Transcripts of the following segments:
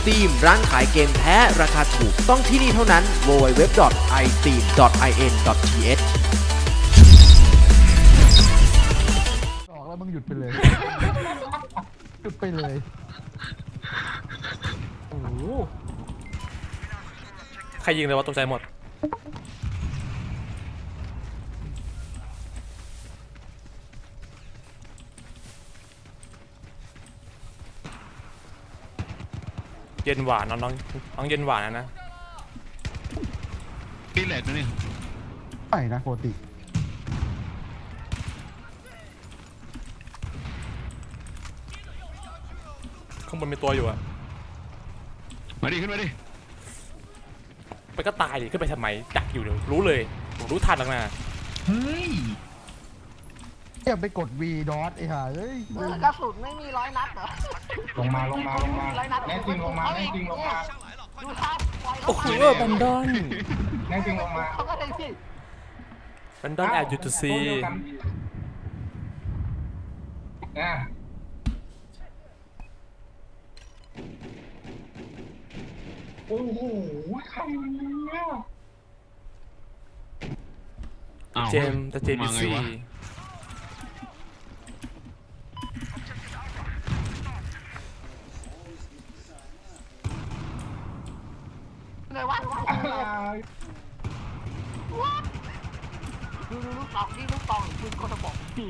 iSteam ร้านขายเกมแท้ราคาถูกต้องที่นี่เท่านั้น www.isteam.in.th ออกแล้วมึงหยุดไปเลย หยุดไปเลยโอ้โหใครยิงเลยวะตกใจหมดเย็นหวานน้องเย็นหวานนะพี่แหลกนะนี่ไม่นะปกติข้างบนมีตัวอยู่อะมาดิขึ้นมาดิไปก็ตายดิขึ้นไปทำไมดักอยู่เดี๋ยวรู้เลยผมรู้ทันแล้วนะเฮ้ยอย่าไปกด V ดอทไอ้ห่าเอ้ยกระสุนไม่มี100 นัดเหรอลงมาแน่จริงลงมาแน่จริงลงมาดูครับปล่อยโอ้โหบันดอนแน่จริงลงมาเขาก็ได้พี่บันดอนแอบอยู่ตัวซีอ่ะโอ้โหใครเนี่ยเจมส์แต่เจมส์ซี่เลยว่าดูลูกตองนี่ลูกตองปืนคนละบอกพี่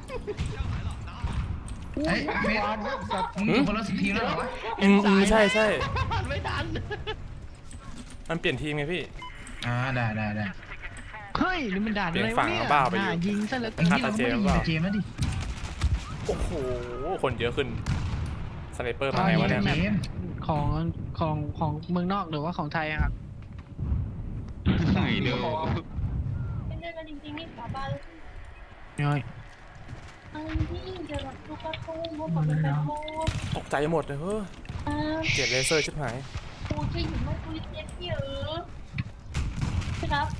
เฮ้ยเฟสมึงอยู่คนละทีมแล้วเหรอวะใช่ใช่ไม่ทันมันเปลี่ยนทีมไงพี่ได้เฮ้ยนี่มันด่านอะไรเปลี่ยนฝั่วะงเนี่ยบ้าไปอยู่ยิงซะเหลือเกินฆ่าตาเจมส์เปล่าเจมส์มาดิโอ้โหคนเยอะขึ้นสไนเปอร์มาไงวะเนี่ยเจมส์ของเมืองนอกหรือว่าของไทยอะครับไหนเดี๋ยวเป็นเรื่องกันจริงๆนี่สาบานน้อยอันที่เดี๋ยวเราดูกระตุ้งพวกเขาเป็นแบบโมดตกใจหมดเลยเฮ้ยเกลียดเลเซอร์ชิบหายปูจะอยู่ไม่คุยเจ็บพี่ใช่ครับ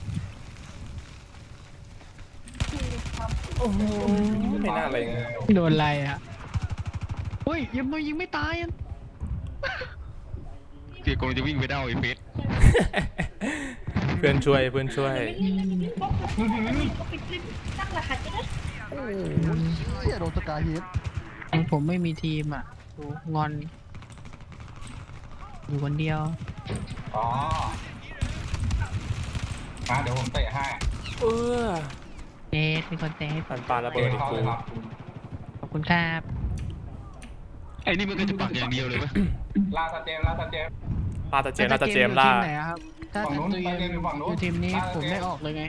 ครับโอ้โหไม่น่าอะไรเลยโดนอะไรอ่ะเฮ้ยยังไม่ยิงไม่ตายอ่ะเกียร์กงจะวิ่งไปเด้าไอ้เฟสเพื่อนช่วยไม่เล่นบล็อกก็ปิดคลิปตั้งรหัสจะได้โอ้โหเหี้ยโดนสกายฮิตผมไม่มีทีมอ่ะดูงอน อยู่คนเดียวอ๋อมาเดี๋ยวผมเตะให้เออเจสเป็นคนเจสปันปลาระเบิดอีกเขากูเลยครับขอบคุณครับไอ้นี่มันก็จะปักอย่างเดียวเลยปะลาตาเจมส์ลาตาเจมส์ล่าทีมไหนอะครับถ้าฝั่งนู้นตัวเองตาเจมส์อยู่ฝั่งนู้นอยู่ทีมนี้ผมไม่ออกเลยไง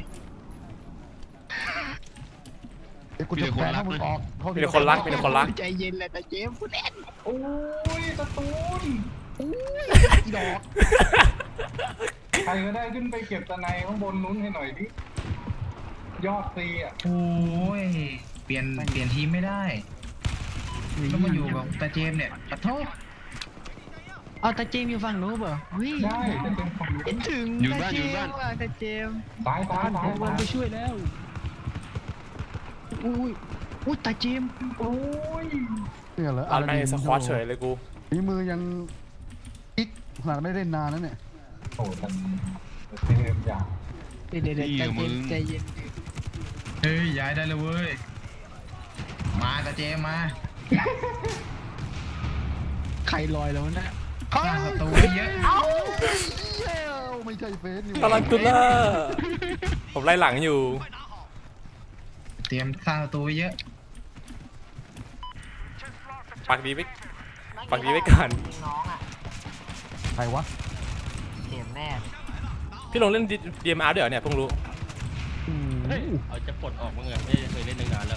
เดี๋ยวกูจะแพ้ถ้ามึงออกโทษมีแต่คนรักมีแต่คนรักใจเย็นเลยแต่เจมส์พูดเล่นโอ้ยตะตูนอีดอกใครก็ได้ขึ้นไปเก็บตะไนข้างบนนู้นให้หน่อยดิยอดซีอ่ะโอ้ย เปลี่ยนทีมไม่ได้ต้องมาอยู่กับตาเจมส์เนี่ยขอโทษเอาแต่เจมส์อยู่ฝั่งนู้นเปล่าเฮ้ยได้แต่เป็นของคิดถึงอยู่บ้านอยู่บ้านแต่เจมส์ซ้ายผมวันไปช่วยแล้วอุ้ยตาเจมส์โอ้ยเนี่ยเหรออันไม่สควอตเฉยเลยกูฝีมือยังอีกขนาดไม่ได้เล่นนานแล้วเนี่ยโอ้แต่เทมอย่างเดี๋ยวใจเย็นเฮ้ย ย้ายได้เลยเว้ย มาตาเจมส์มาใครลอยแล้วนะสร้างศัตรูไว้เยอะไม่ใช่เฟสนี่ตาลันตุล่าผมไล่หลังอยู่เตรียมสร้างศัตรูไว้เยอะปักดีไว้ก่อนน้องอ่ะใครวะเข็มแน่พี่ลงเล่น DMR ด้วยเหรอเนี่ยเพิ่งรู้เอาจะปลดออกมั้งไงไม่เคยเล่นตั้งนานแล้ว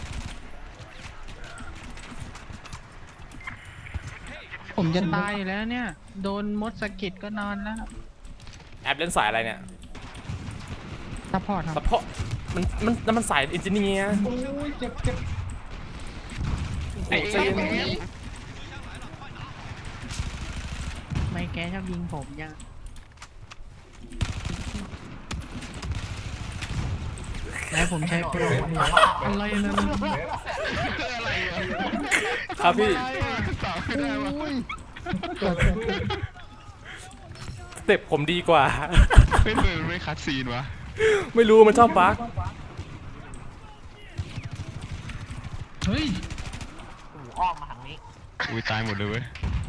ผมจะตายอยู่แล้วเนี่ย โดนมดสะกิดก็นอนแล้วแอปเล่นสายอะไรเนี่ยซัพพอร์ตคแต่รับเพราะมันสายอินจิเนียร์โอ้ยเจ็บไอ้เจมส์ไม่แกชอบยิงผมยังแล้วผมใช้โปรอะไรนะครับพี่โอ้ยเต็ปผมดีกว่าไม่เลยไม่คัดซีนวะไม่รู้มันชอบบั๊กเฮ้ยกูอ้อมมาทางนี้อุ้ยตายหมดเลยเว้ย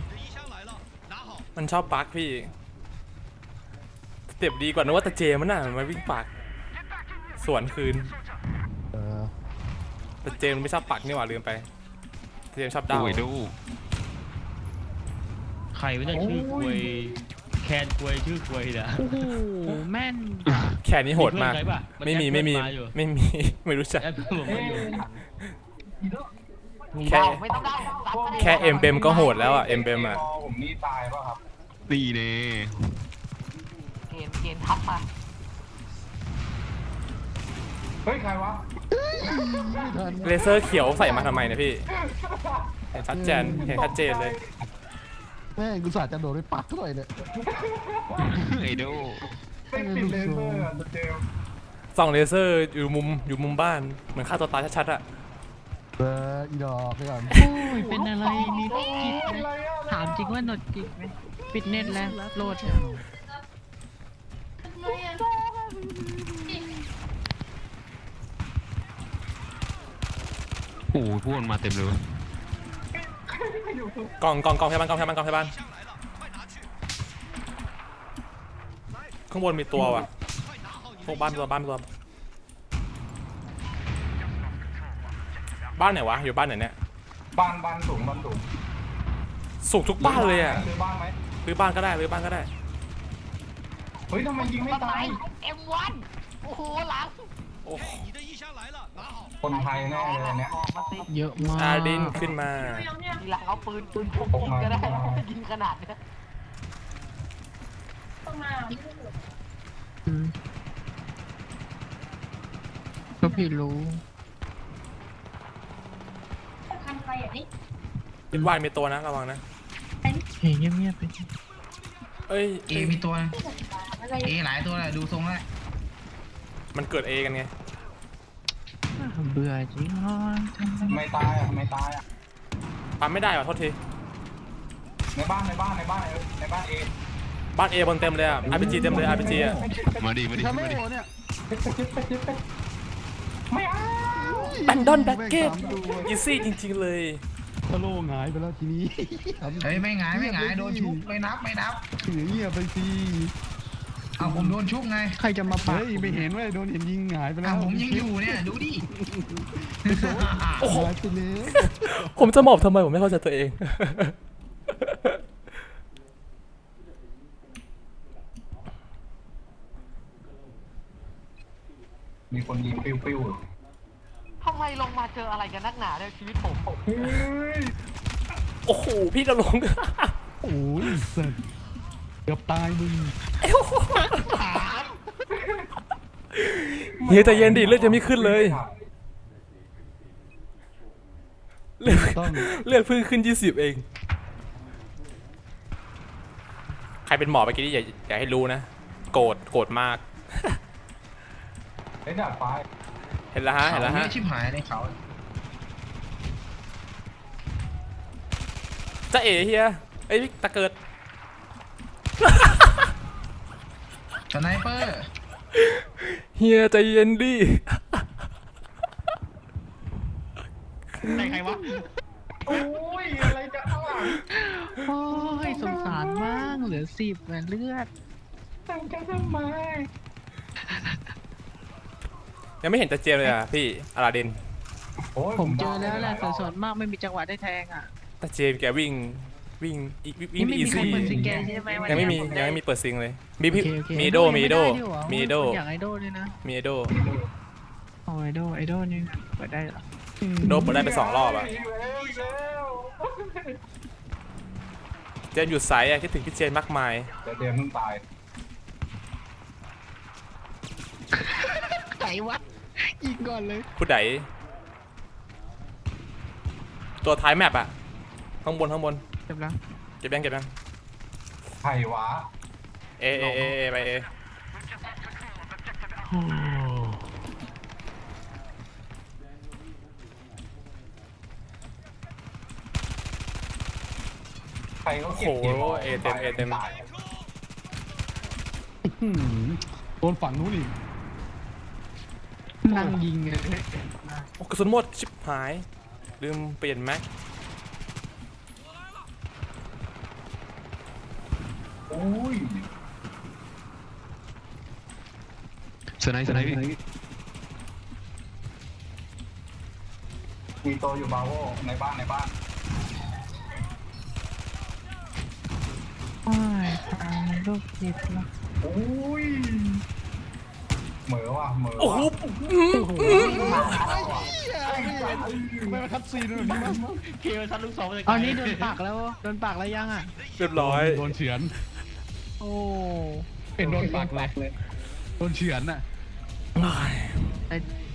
มันชอบบั๊กพี่สเต็ปดีกว่านึกว่าตาเจมันน่ะมันวิ่งปักสวนคืนเออตาเจมันไม่ชอบปักนี่หว่าลืมไปตาเจมชอบดาวโอ้ยดูใครไม่ได้ชื่อควยแคนควยชื่อควยนะโอ้โหแม่นแค่นี้โหดมากเพื่อนใครปะนไม่มีแอดไม่มีเพื่อนาอยู่ไม่มี ไม่รู้จักแอดเพื่อนผมมาอยู่แค่ไม่ต้องได้รับก็ได้แค่เอ็มเบมก็โหดแล้วอ่ะเอ็มเบมอ่ะผมนี่ตายป่ะครับนี่เน่เกณฑ์ทับมาเฮ้ยใครวะไม่ทันเลเซอร์เขียวใส่มาทำไมเนี่ยพี่เห็นชัดเจนเห็นชัดเจนเลยแม่งกูสาจะโดดไปปักเท่าไหร่เนี่ยไอโดไม่ติดเลเซอร์อะเจมส์ส่องเลเซอร์อยู่มุมบ้านเหมือนฆ่าตัวตายชัดๆอ่ะเอออีดอกไปก่อนโอ้ยเป็นอะไรมีโรคจิตไหมอะไรอะถามจริงว่าหนดจิตไหมปิดเน็ตแล้วโหลดทำไมอ่ะโอ้โหพวกมันมาเต็มเลยเว้ยกองพยาบาลข้างบนมีตัวว่ะพวกบ้านไหนวะอยู่บ้านไหนเนี่ยบ้านสูงสุกทุกบ้านเลยอ่ะซื้อบ้านไหมรื้อบ้านก็ได้เฮ้ยทำไมยิงไม่ตาย M1 โอ้โหหลังโอ้คนไทยแน่เลยเนี่ยออกมาสิเยอะมากอาดินขึ้นมาเนี่ยทีหลังเอาปืนพกยิงก็ได้ยิงขนาดเนี้ยต้องมาอืมก็พี่รู้ทำอะไรอ่ะนี่คิดว่ามีตัวนะระวังนะเฮ้ยเงียบๆไปเอ้ยเอมีตัวอะไรเอหลายตัวแหละดูทรงแล้วมันเกิดเอกันไงเบื่อจริงอ๋อไม่ตายอ่ะปั๊มไม่ได้ว่ะโทษทีในบ้านเอบ้านเอบนเต็มเลยอ่ะ RPG เต็มเลย RPG อ่ะมาดิทำไมโหเนี่ยไม่เอาแบนดอนแบ็กเก็ตแม่งสามตัวอีซี่จริงๆเลยทะโลหงายไปแล้วทีนี้เฮ้ยไม่หงายโดนชุบไม่นับถือเงียบไปสิเอาผมโดนชุบไงใครจะมาปักเฮ้ยไม่เห็นว่าโดนเห็นยิงหงายไปแล้เอาวผมยังอยู่เนี่ยดูดิโอ้โหหงายไปเลยผมจะหมอบทำไมผมไม่เข้าใจตัวเองมีคนยิงปิ้วทำไมลงมาเจออะไรกันนักหนาเนี่ยชีวิตผมเฮ้ยโอ้โห พี่จะลงโอ้ยสัตว์เกือบตายมึงเฮียใจเย็นดิเลือดจะไม่ขึ้นเลย เลือดต้องเลือดเพิ่งขึ้น20เอง ใครเป็นหมอไปกี้นี่อย่าให้รู้นะ โกรธมากไอ้ดาดฟ้าเห็นแล้วฮะเขาเนี่ยชิบหายในเขาจะเอ๋เฮียเอ้ยตะเกิดสไนเปอร์เฮียใจเย็นดิใครวะโอ้ยอะไรจะข้างหลังโอ้ยสงสารมากเหลือ10แหวนเลือดตั้งใจทำไมยังไม่เห็นตะเจมเลยอ่ะพี่อลาดินโอ้ยผมเจอแล้วแหละแต่ส่วนมากไม่มีจังหวะได้แทงอ่ะตะเจมแกวิ่งนี่ไม่อีมีใครซี่เปิดซิงเกิลใช่ไหมวันยังไม่มีนี้ยังไม่มีเปิดซิงเลย มีโอพี่เคโอเคมีโดยังไได้ด้วยเหรอมีโดคนอยากไอโดด้วยนะมีโดโอ้ไอโดนี่เปิดได้เหรอโดเปิดได้ไป2 รอบอ่ะอีกแล้วเจมอยู่ไซส์อ่ะคิดถึงพี่เจนมากมายแต่เดี๋ยวมึงตายไหนวะยิงก่อนเลยผู้ใดตัวท้ายแมปอ่ะข้างบนเจ็บแล้วเก็บยังใครวะเอไปเอใครเขาโอ้โหเก็บเกมเอเต็มตายโดนฝั่งนู้นอีกนั่งยิงเลยโอ้กระสุนหมดชิบหายลืมเปลี่ยนแม็กโอ้ยสไนส์พี่มีตัวอยู่บาโวในบ้านโอ้ยทางลูกศิษย์ละโอ้ยเหมือว่ะเหมือโอ้โหไม่มาคัดซีนแบบนี้มั้งเกมทันลูกสองมาจากเอานี่โดนปากแล้วยังอ่ะเรียบร้อยโดนเฉือนโอ้เป็นโดนปากเลยโดนเฉือนน่ะแต่